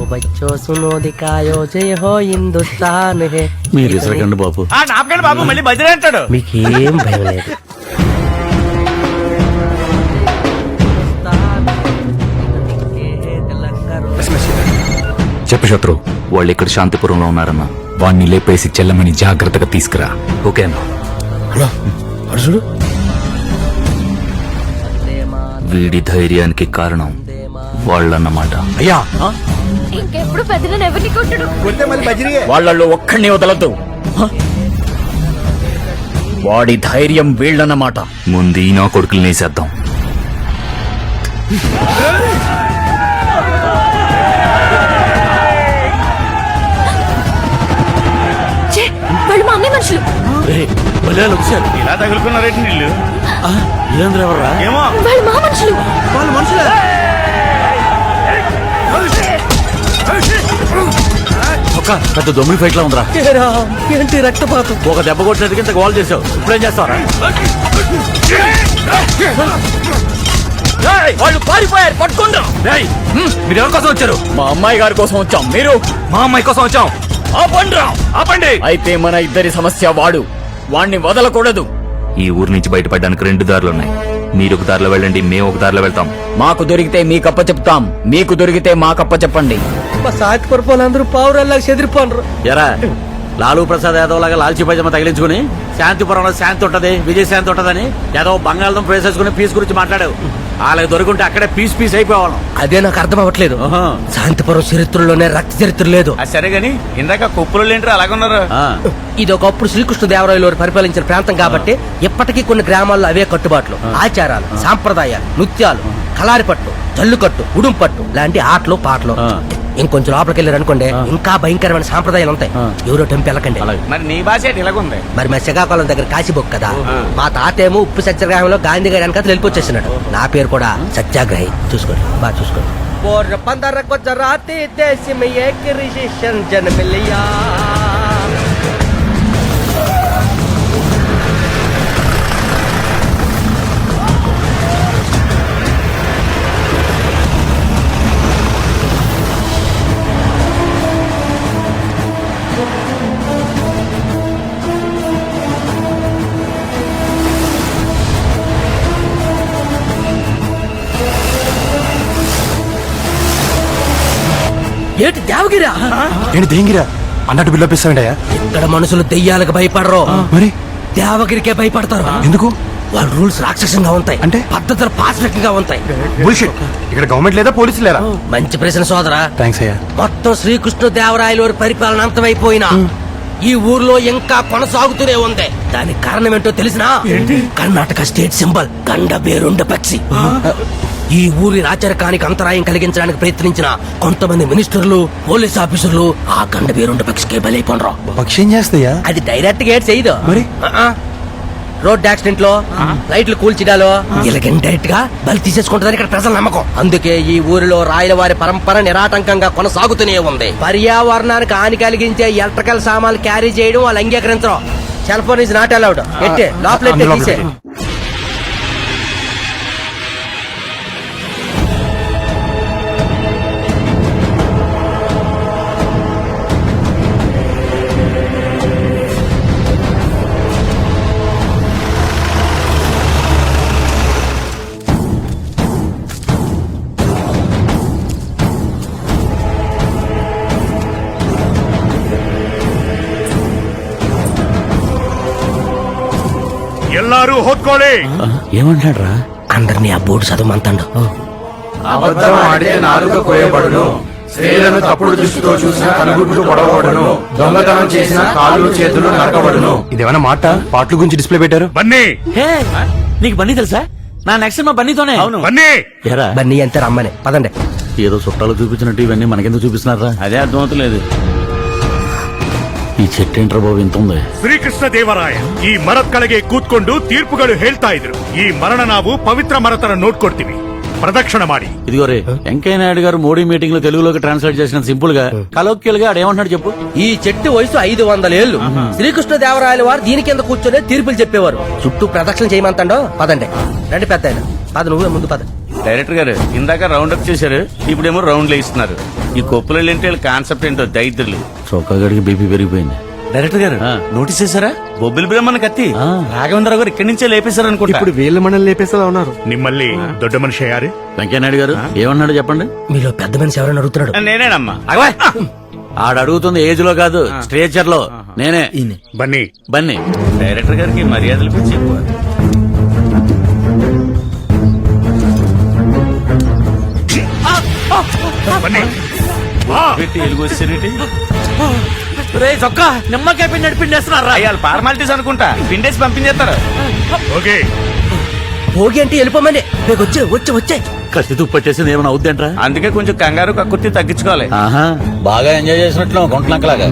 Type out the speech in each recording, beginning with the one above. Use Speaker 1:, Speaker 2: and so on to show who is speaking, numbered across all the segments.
Speaker 1: బచ్చో సునో దికాయో జయ హో హిందుస్థాన్ హే.
Speaker 2: మీరు ఇసరకండి బాబు.
Speaker 3: నాపకండి బాబు, మళ్ళీ బదిలీ అంటాడు.
Speaker 1: మీకేం భయం లేదు.
Speaker 2: చెప్పు శత్రు. వాళ్ళు ఇక్కడ శాంతిపురంలో ఉన్నారన్న. వాణ్ణి లేపేసి చెల్లమని జాగ్రత్తగా తీసుకురా. ఓకేనా?
Speaker 4: చూడు,
Speaker 2: వీడి ధైర్యానికి కారణం వాళ్ళన్నమాట.
Speaker 4: అయ్యా
Speaker 5: ఇంకెప్పుడు పెద్దలను ఎవరిని కొట్టడు.
Speaker 2: వాళ్ళల్లో ఒక్కడిని వదలద్దు. వాడి ధైర్యం వీళ్ళన్నమాట. ముందు నా కొడుకులు నేసేద్దాం.
Speaker 5: వాళ్ళు మా అమ్మాయి మనుషులు.
Speaker 3: ఇలా తగులుకున్నారేంటి నీళ్ళు? ఏమో
Speaker 5: వాళ్ళు మా మనుషులు.
Speaker 4: వాళ్ళు మనుషులే.
Speaker 2: ఒక పెద్ద దొమ్మిడి ఫైట్ లా ఉందిరా.
Speaker 1: ఏంటి రక్తపాతం?
Speaker 2: ఒక దెబ్బ కొట్టినట్టుగా ఇంత గోల్ చేసావు. ఇప్పుడేం చేస్తావరా? వాళ్ళు పారిపోయారు, పట్టుకుంటాం. మీరు ఎవరి కోసం వచ్చారు? మా అమ్మాయి గారి కోసం వచ్చాం. మీరు? మా అమ్మాయి కోసం వచ్చాం. ఆపండి. అయితే మన ఇద్దరి సమస్య వాడు. వాణ్ణి వదలకూడదు. ఈ ఊరు నుంచి బయటపడడానికి 2 దారులున్నాయి. మీరు ఒక దారిలో వెళ్ళండి, మేము ఒక దారిలో వెళ్తాం. మాకు దొరికితే మీకప్ప చెప్తాం, మీకు దొరికితే మాకప్ప చెప్పండి.
Speaker 1: మా సాటిపడిపోయినందరూ పావురాల్లాగా చెదిరిపోనరు.
Speaker 2: ఎరా లాలూ ప్రసాద్ యాదవ్ లాగా లాల్చీ పైజమా తగిలించుకుని శాంతిపురంలో శాంతి ఉంటది, విజయశాంతి ఉంటదని యాదవ్ బంగాళదుంప వేసేసుకుని పీస్ గురించి మాట్లాడావు. వాళ్ళకి దొరికింటే అక్కడే పీస్ అయిపోవాలి.
Speaker 1: అదే నాకు అర్థం అవ్వట్లేదు. శాంతిపురం చరిత్రలోనే రక్త చరిత్ర లేదు.
Speaker 3: సరే గాని ఇందాక కుప్పలు ఏంటారు అలాగున్నారు?
Speaker 1: ఇది ఒకప్పుడు శ్రీకృష్ణదేవరాయలు వారు పరిపాలించిన ప్రాంతం కాబట్టి ఇప్పటికీ కొన్ని గ్రామాల్లో అవే కట్టుబాట్లు, ఆచారాలు, సాంప్రదాయాలు, నృత్యాలు, కలారిపట్టు, జల్లుకట్టు, ఉడుంపట్టు లాంటి ఆటలు పాటలు. ఇంకొంచెం లోపలికి వెళ్ళారు అనుకోండి, ఇంకా భయంకరమైన సాంప్రదాయాలు ఉంటాయి. ఎవరో టెంపు వెళ్ళకండి.
Speaker 3: మరి నీ భాష ఇలాగుంది.
Speaker 1: మరి మా శ్రీకాకుళం దగ్గర కాశీబొక్ కదా. మా తాతేమో ఉప్పు సత్యాగ్రహంలో గాంధీ గారి వెనకాల వెళ్ళిపోచ్చేసినాడు. నా పేరు కూడా సత్యాగ్రహి. చూసుకోండి, బాగా చూసుకోండి. ఏంటి దేవగిరా?
Speaker 4: ఏంటి దేంగిరా అన్నట్టు బిల్లపిస్తావేంటయ్యా?
Speaker 1: ఇక్కడ మనుషులు దెయ్యాలకు భయపడరు,
Speaker 4: మరి
Speaker 1: దేవగిరికే భయపడతారు.
Speaker 4: ఎందుకు?
Speaker 1: వాళ్ళ రూల్స్ రాక్షసంగా ఉంటాయి,
Speaker 4: అంటే
Speaker 1: పద్ధతులు పాశవికంగా ఉంటాయి.
Speaker 4: బుల్షిట్. ఇక్కడ గవర్నమెంట్ లేదా పోలీసులు లేరా?
Speaker 1: మంచి ప్రశ్న సోదరా.
Speaker 4: థ్యాంక్స్ అయ్యా.
Speaker 1: మొత్తం శ్రీకృష్ణదేవరాయల వారి పరిపాలన అంతమైపోయినా ఈ ఊర్లో ఇంకా కొనసాగుతూనే ఉంది. దానికి కారణం ఏంటో తెలిసినా? కర్ణాటక స్టేట్ సింబల్ గండ బేరుండ పక్షి. ఈ ఊరి రాచరికానికి అంతరాయం కలిగించడానికి ప్రయత్నించిన కొంతమంది మినిస్టర్లు, పోలీస్ ఆఫీసర్లు ఆ గండ బేరుండ పక్షికే బలైపోనరు.
Speaker 4: పక్షి ఏం చేస్తాయా?
Speaker 1: అది డైరెక్ట్ గా చేయదు.
Speaker 4: మరి
Speaker 1: రోడ్ యాక్సిడెంట్ లో, లైట్లు కూల్చిడాలో ఇలాగ డైరెక్ట్ గా బలి తీసేసుకుంటుందని ఇక్కడ ప్రజల నమ్మకం. అందుకే ఈ ఊరిలో రాయల వారి పరంపర నిరాటంకంగా కొనసాగుతూనే ఉంది. పర్యావరణానికి హాని కలిగించే ఎలక్ట్రికల్ సామాన్లు క్యారీ చేయడం వాళ్ళు అంగీకరించరు. Cell phone is not allowed. ఎట్టే లోపల తీసే.
Speaker 3: ఎల్లారు హోత్కోలే.
Speaker 2: ఏమంటాడు రా?
Speaker 1: అందరినీ ఆ బోర్డు చదవమంతాడు.
Speaker 6: అబద్ధం ఆడితే నాలుక కోయబడును, స్త్రీలను తప్పుడు దృష్టితో చూసిన కనుగుడ్లు పొడవబడును, దొంగతనం చేసిన కాళ్ళు చేతులు నరకబడును.
Speaker 4: ఇదేమైనా మాట పాటల గురించి డిస్ప్లే పెట్టారు?
Speaker 3: బన్నీ,
Speaker 2: నీకు బన్నీ తెలుసా? నా నెక్స్ట్ మా బన్నీతోనే. అవును
Speaker 3: బన్నీ.
Speaker 2: ఎరా
Speaker 1: బన్నీ అంతే రమ్మని పదండి.
Speaker 2: ఏదో చుట్టాలు చూపించినట్టు ఇవన్నీ మనకెందుకు చూపిస్తున్నారా? అదే అర్థమవుతలేదు. ಈ ಚೆಟ್ಟೆಂಟ್ರ ಬಾವು ಇಂತ ఉంది.
Speaker 3: ಶ್ರೀಕೃಷ್ಣ ದೇವರಾಯ ಈ ಮರದ ಕೆಳಗೆ ಕೂತ್ಕೊಂಡು ತೀರ್ಪುಗಳು ಹೇಳ್ತಾ ಇದ್ರು. ಈ ಮರಣ ನಾವು ಪವಿತ್ರ ಮರತರ ನೋಡ್ಕೊಡ್ತೀವಿ, ప్రదక్షిణ ಮಾಡಿ.
Speaker 2: ఇదిగో రే, వెంకయ్య నాయుడు గారు మోడీ మీటింగ్ లో తెలుగులోకి ట్రాన్స్లేట్ చేసిన సింపుల్ గా కలోక్యల్ గా ఆడేమంటున్నాడు చెప్పు.
Speaker 1: ఈ చెట్టు వయసు 500 ఏళ్లు. శ్రీకృష్ణదేవరాయల వారు దీని కింద కూర్చొని తీర్పులు చెప్పేవారు. చుట్టూ ప్రదక్షిణ చేయమంటాడో. పదండి రండి పెద్ద. పద నువ్వే ముందు పద.
Speaker 3: డైరెక్టర్ గారు ఇందాక రౌండ్ అప్ చేశారు, ఇప్పుడేమో రౌండ్ లో ఇస్తున్నారు.
Speaker 7: ఈ కొప్పులు ఏంటి కాన్సెప్ట్ ఏంటో దైత్రులు.
Speaker 2: చొక్కాగడికి బీపీ పెరిగిపోయింది.
Speaker 7: డైరెక్టర్ గారు నోటీస్ చేశారా? బొబ్బిలి బ్రహ్మణ కత్తి రాఘవేంద్ర గారు ఇక్కడి నుంచే లేపేశారు అనుకుంటా.
Speaker 6: ఇప్పుడు వీళ్ళ మనల్ని లేపేసేలా ఉన్నారు.
Speaker 3: నిమ్మల్ని దొడ్డ మనిషి అయ్యారు.
Speaker 2: వెంకయ్యనాయుడు గారు ఏమన్నాడు చెప్పండి.
Speaker 1: మీలో పెద్ద మనిషి ఎవరైనా అడుగుతున్నాడు.
Speaker 7: నేనేనమ్మా.
Speaker 2: ఆడ అడుగుతుంది ఏజ్ లో కాదు, స్ట్రేచర్ లో. నేనే
Speaker 3: బన్నీ
Speaker 2: బన్నీ.
Speaker 7: డైరెక్టర్ గారికి మర్యాదలు పిచ్చి ఎక్కువ.
Speaker 3: బన్నీ
Speaker 7: పెట్టి ఎలుగు వచ్చేటి
Speaker 2: రే చొక్కా నిమ్మకాయ పిండి నడిపిండేస్తున్నారా?
Speaker 7: అయ్యాలి ఫార్మాలిటీస్ అనుకుంటా. పిండేసి పంపించేస్తారు.
Speaker 3: ఓకే
Speaker 1: భోగి అంటే వెళ్ళిపోమని వచ్చే వచ్చే వచ్చే
Speaker 2: కత్తి తుప్పట్టేసింది ఏమైనా అవుద్దంట్రా?
Speaker 7: అందుకే కొంచెం కంగారు కక్కుర్తి తగ్గించుకోవాలి.
Speaker 2: ఆహా బాగా ఎంజాయ్ చేసినట్లు గుంటలంకలాగా.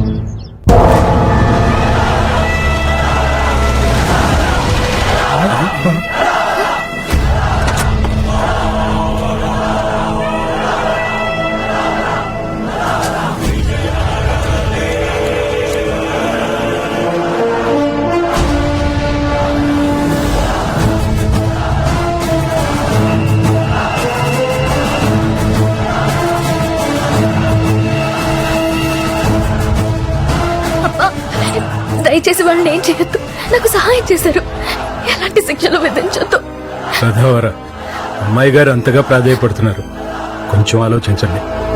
Speaker 5: దయచేసి వాళ్ళని ఏం చేయొద్దు. నాకు సహాయం చేశారు. ఎలాంటి శిక్షలు విధించొద్దు.
Speaker 8: సదావర అమ్మాయి గారు అంతగా ప్రాధాయపడుతున్నారు, కొంచెం ఆలోచించండి.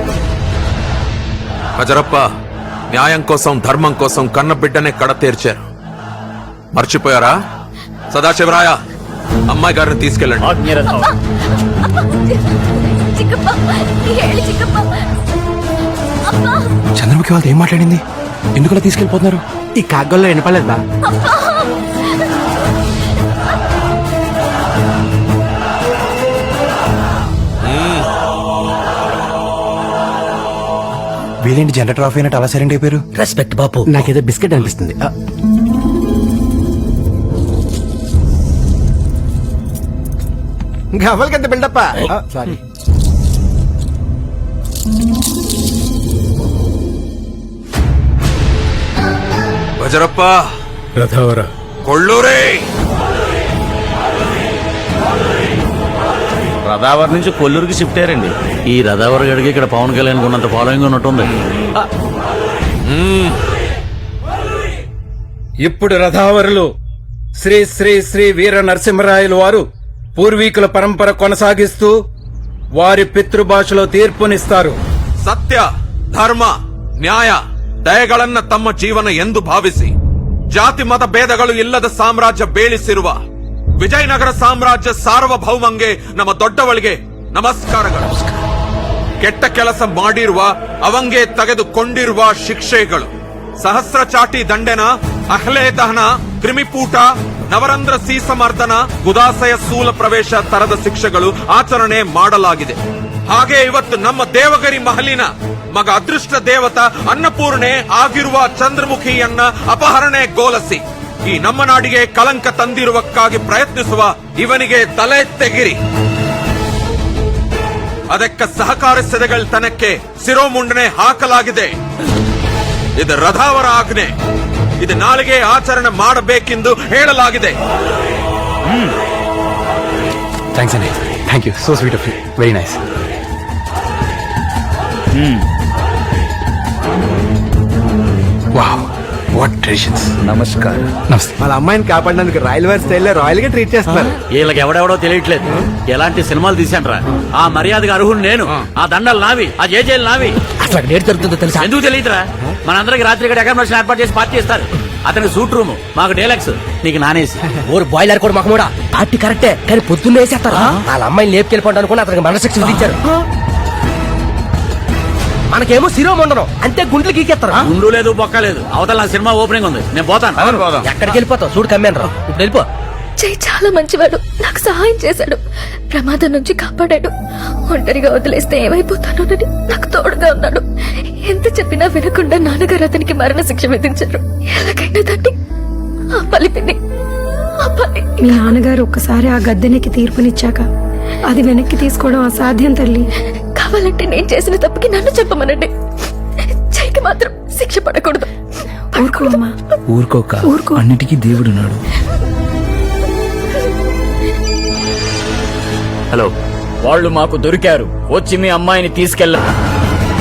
Speaker 9: హజరప్ప న్యాయం కోసం ధర్మం కోసం కన్న బిడ్డనే కడ తీర్చారు. మర్చిపోయారా? సదాశివరాయ అమ్మాయి గారిని తీసుకెళ్ళండి.
Speaker 5: చిక్కప్ప, ఏళ్ళు చిక్కప్ప. అబ్బా,
Speaker 4: చంద్రముఖి వాళ్ళతో ఏం మాట్లాడింది? ఎందుకలా తీసుకెళ్లిపోతున్నారు?
Speaker 6: ఈ కాగ్గల్లో వినపలేదా?
Speaker 4: వీళ్ళేంటి జనరేటర్ ఆఫ్ అయినట్టు అలా సైలెంట్ అయిపోయారు?
Speaker 1: రెస్పెక్ట్ బాపు.
Speaker 6: నాకేదో బిస్కెట్ అనిపిస్తుంది. గవ్వలకెంత బిల్డప్ప. సారీ.
Speaker 9: హజరప్ప
Speaker 8: రథావర
Speaker 9: కొళ్ళూరే
Speaker 7: రదావర్ నుంచి కొల్లూరుకి షిఫ్ట్ అయ్యారండి.
Speaker 2: ఈ రథావర గడికి ఇక్కడ పవన్ కళ్యాణ్ ఉన్నంత ఫాలోయింగ్ ఉన్నట్టుంది.
Speaker 8: ఇప్పుడు రథావరులు శ్రీ శ్రీ శ్రీ వీర నరసింహరాయలు వారు పూర్వీకుల పరంపర కొనసాగిస్తూ వారి పితృభాషలో తీర్పునిస్తారు.
Speaker 9: ಸತ್ಯ ಧರ್ಮ ನ್ಯಾಯ ದಯೆಗಳನ್ನ ತಮ್ಮ ಜೀವನ ಎಂದು ಭಾವಿಸಿ ಜಾತಿ ಮತ ಭೇದಗಳು ಇಲ್ಲದ ಸಾಮ್ರಾಜ್ಯ ಬೇಳಿಸಿರುವ ವಿಜಯನಗರ ಸಾಮ್ರಾಜ್ಯ ಸಾರ್ವಭೌಮಂಗೆ ನಮ್ಮ ದೊಡ್ಡವಳಿಗೆ ನಮಸ್ಕಾರಗಳು. ಕೆಟ್ಟ ಕೆಲಸ ಮಾಡಿರುವ ಅವಂಗೆ ತೆಗೆದುಕೊಂಡಿರುವ ಶಿಕ್ಷೆಗಳು ಸಹಸ್ರ ಚಾಟಿ ದಂಡೆನ, ಅಹ್ಲೆ ದಹನ, ಕ್ರಿಮಿಪೂಟ, ನವರಂಧ್ರ ಸೀಸಮರ್ದನ, ಗುದಾಸಯ ಸ್ಥೂಲ ಪ್ರವೇಶ ತರದ ಶಿಕ್ಷೆಗಳು ಆಚರಣೆ ಮಾಡಲಾಗಿದೆ. ಹಾಗೆ ಇವತ್ತು ನಮ್ಮ ದೇವಗಿರಿ ಮಹಲಿನ ಮಗ ಅದೃಷ್ಟ ದೇವತ ಅನ್ನಪೂರ್ಣೆ ಆಗಿರುವ ಚಂದ್ರಮುಖಿಯನ್ನ ಅಪಹರಣೆಗೊಳಿಸಿ ಈ ನಮ್ಮ ನಾಡಿಗೆ ಕಲಂಕ ತಂದಿರುವಕ್ಕಾಗಿ ಪ್ರಯತ್ನಿಸುವ ಇವನಿಗೆ ತಲೆ ತೆಗಿರಿ. ಅದಕ್ಕೆ ಸಹಕರಿಸಿದಗಳ ತನಕ್ಕೆ ಶಿರೋಮುಂಡನೆ ಹಾಕಲಾಗಿದೆ. ಇದು ರಥಾವರ ಆಜ್ಞೆ. ಇದು ನಾಳೆಗೆ ಆಚರಣೆ ಮಾಡಬೇಕೆಂದು ಹೇಳಲಾಗಿದೆ.
Speaker 4: థ్యాంక్స్ అండి. Thank you. So sweet of you. Very nice. Wow, what traditions.
Speaker 6: నమస్కారం.
Speaker 4: నమస్తే.
Speaker 6: వాళ్ళ అమ్మాయిని కాపాడడానికి రాయల్ వారి స్టైల్లో రాయల్ గా ట్రీట్ చేస్తున్నారు.
Speaker 2: వీళ్ళకి ఎవడెవడో తెలియట్లేదు. ఎలాంటి సినిమాలు తీశాన్రా? ఆ మర్యాదగా అర్హుడు నేను, ఆ దండలు నావి, ఆ జేజేలు నావి.
Speaker 1: అసలు అక్కడ ఏడు జరుగుతుందో తెలుసా?
Speaker 2: ఎందుకు తెలియదురా? మనందరికి రాత్రి ఇక్కడ అకామిడేషన్ ఏర్పాటు చేసి పార్టీ ఇస్తారు. అతనికి సూట్ రూమ్, మాకు డేలక్స్, నీకు నానేసి.
Speaker 1: ఊరు బాయిలర్ కూడా మాకు కూడా పార్టీ కరెక్టే, కానీ పొద్దున్నే వేసేస్తారు. వాళ్ళ అమ్మాయిని లేపుకెళ్ళిపోవడం అనుకుని అతనికి మనశిక్ష విధించారు. మనకేమో శిరోమండనం అంతే, గుండ్లు గీకేస్తారు.
Speaker 2: గుండు లేదు, బొక్క లేదు. అవతల నా సినిమా ఓపెనింగ్ ఉంది, నేను పోతాను.
Speaker 1: ఎక్కడికి వెళ్ళిపోతావు? చూడు కమ్మాను రా, ఇప్పుడు వెళ్ళిపో.
Speaker 5: జై చాలా మంచివాడు. నాకు సహాయం చేశాడు, ప్రమాదం నుంచి కాపాడాడు. ఒంటరిగా వదిలేస్తే ఏమైపోతానోనని నాకు తోడుగా ఉన్నాడు. ఎంత చెప్పినా వినకుండా నాన్నగారు అతనికి మరణ శిక్ష విధించారు. ఎలాగైనా దాన్ని ఆపాలి పిన్ని, ఆపాలి.
Speaker 10: మీ నాన్నగారు ఒక్కసారి ఆ గద్దెనికి తీర్పునిచ్చాక అది వెనక్కి తీసుకోవడం అసాధ్యం తల్లి.
Speaker 5: కావాలంటే నేను చేసిన తప్పుకి నన్ను చెప్పమనండి. జైకి మాత్రం శిక్ష పడకూడదు.
Speaker 10: ఊరుకో అమ్మా.
Speaker 8: ఊరుకోక,
Speaker 10: ఊరుకో.
Speaker 8: అన్నిటికీ దేవుడున్నాడు.
Speaker 2: హలో, వాళ్ళు మాకు దొరికారు. వచ్చి మీ అమ్మాయిని తీసుకెళ్ళ.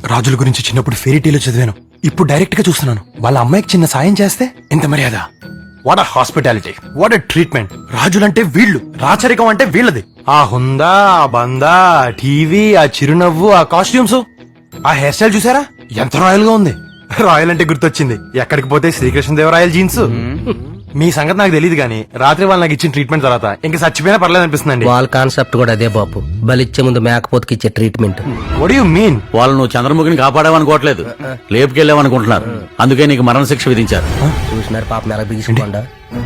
Speaker 4: రాజుల గురించి చిన్నప్పుడు ఫెయిరీటీలో చదివాను, ఇప్పుడు డైరెక్ట్ గా చూస్తున్నాను. వాళ్ళ అమ్మాయికి చిన్న సాయం చేస్తే ఎంత మర్యాద. What a hospitality, what a treatment. రాజులంటే వీళ్ళు, రాచరికం అంటే వీళ్ళది. ఆ హుందా, ఆ బందా, ఆ టీవీ, ఆ చిరునవ్వు, ఆ కాస్ట్యూమ్స్, ఆ హెయిర్ స్టైల్ చూసారా ఎంత రాయల్ గా ఉంది. రాయల్ అంటే గుర్తొచ్చింది, ఎక్కడికి పోతే శ్రీకృష్ణదేవరాయల జీన్స్. మీ సంగతి నాకు తెలియదు కానీ రాత్రి వాళ్ళు నాకు ఇచ్చిన ట్రీట్మెంట్ తర్వాత ఇంకా చచ్చిపోయినా పర్లేదు అనిపిస్తుందండి.
Speaker 1: వాళ్ళ కాన్సెప్ట్ కూడా అదే బాబు, బలిచ్చే ముందు మేకపోతుకి ఇచ్చే ట్రీట్మెంట్.
Speaker 4: What you mean?
Speaker 7: వాళ్ళు నువ్వు చంద్రముఖిని కాపాడావనుకోవట్లేదు, లేపుకెళ్ళావనుకుంటున్నారు. అందుకే నీకు మరణశిక్ష విధించారు.
Speaker 1: చూసినారు పాపం ఎలా బిగించుకోండా.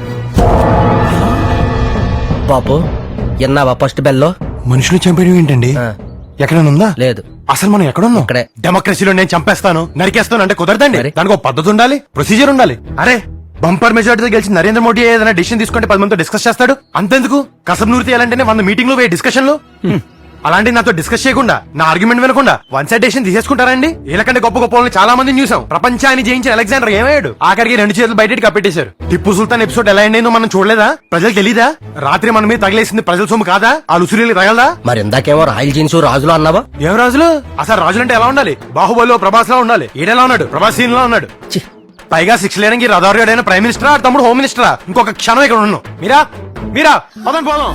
Speaker 1: బాబు ఎన్నావా ఫస్ట్ బెల్లో?
Speaker 4: మనుషులు చంపేయడం ఏంటండి? ఎక్కడైనా ఉందా?
Speaker 1: లేదు.
Speaker 4: అసలు మనం ఎక్కడున్నాం?
Speaker 1: ఇక్కడే.
Speaker 4: డెమోక్రసీలో నేను చంపేస్తాను, నరికేస్తాను అంటే కుదరదండి.
Speaker 1: మరి? దానికి
Speaker 4: ఒక పద్ధతి ఉండాలి, ప్రొసీజర్ ఉండాలి. అరే బంపర్ మెజార్టీతో గెలిచి నరేంద్ర మోడీ ఏదైనా డిసిషన్ తీసుకుంటే 10 మందితో డిస్కస్ చేస్తాడు, అంతెందుకు కసబ్ నూరి తీయాలంటేనే 100 మీటింగ్లు పోయే డిస్కషన్లు. అలాంటి నాతో డిస్కస్ చేయకుండా, నా ఆర్గ్యుమెంట్ వినకుండా వన్ సైడ్ డెసిషన్ తీసేసుకుంటారండి. వీళ్ళకంటే గొప్ప గొప్ప వాళ్ళని చాలా మందిని చూసాం. ప్రపంచాన్ని జయించిన అలెగ్జాండర్ ఏమయ్యాడు? ఆఖరికి 2 చేతులు బయటకి కప్పెట్టేశారు. టిప్పు సుల్తాన్ ఎపిసోడ్ ఎలా అయిందో మనం చూడలేదా? ప్రజలు తెలీదా? రాత్రి మన మీద తగిలేసింది ప్రజల సొమ్ము కాదా? ఆ లుసురీలు తగలదా?
Speaker 1: మరి ఇందాకేమో రాయల్ జీన్స్ రాజులు అన్నావా?
Speaker 4: ఏం రాజులు? అసలు రాజులు అంటే ఎలా ఉండాలి? బాహుబలిలో ప్రభాస్ లా ఉండాలి. ఈడెలా ఉన్నాడు? ప్రభాస్ సీన్ లా ఉన్నాడు.
Speaker 1: ఛీ,
Speaker 4: పైగా 6 లేనికి రథారుడైన ప్రైమ్ మినిస్టరా, తమ్ముడు హోమ్ మినిస్టరా? ఇంకొక క్షణం ఇక్కడ ఉన్నాం. మీరా పదం పోదాం.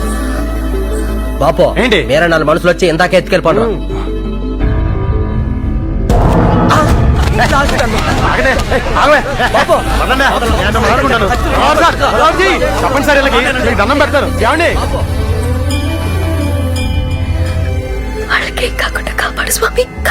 Speaker 1: బాపో
Speaker 4: ఏంటి?
Speaker 1: వేరే 4 మనుషులు వచ్చి ఇందాక ఎత్తుకెళ్ళిపోను.
Speaker 4: ఆగండి. ఆగవే. వదలండి. నేను మాట్లాడుకుంటాను. రాజీ, చెప్పండి సార్, వీళ్ళకి మీకు దండం పెడతారు. ఏమండి?
Speaker 5: వాళ్ళకేం కాకుండా కాపాడు స్వామి.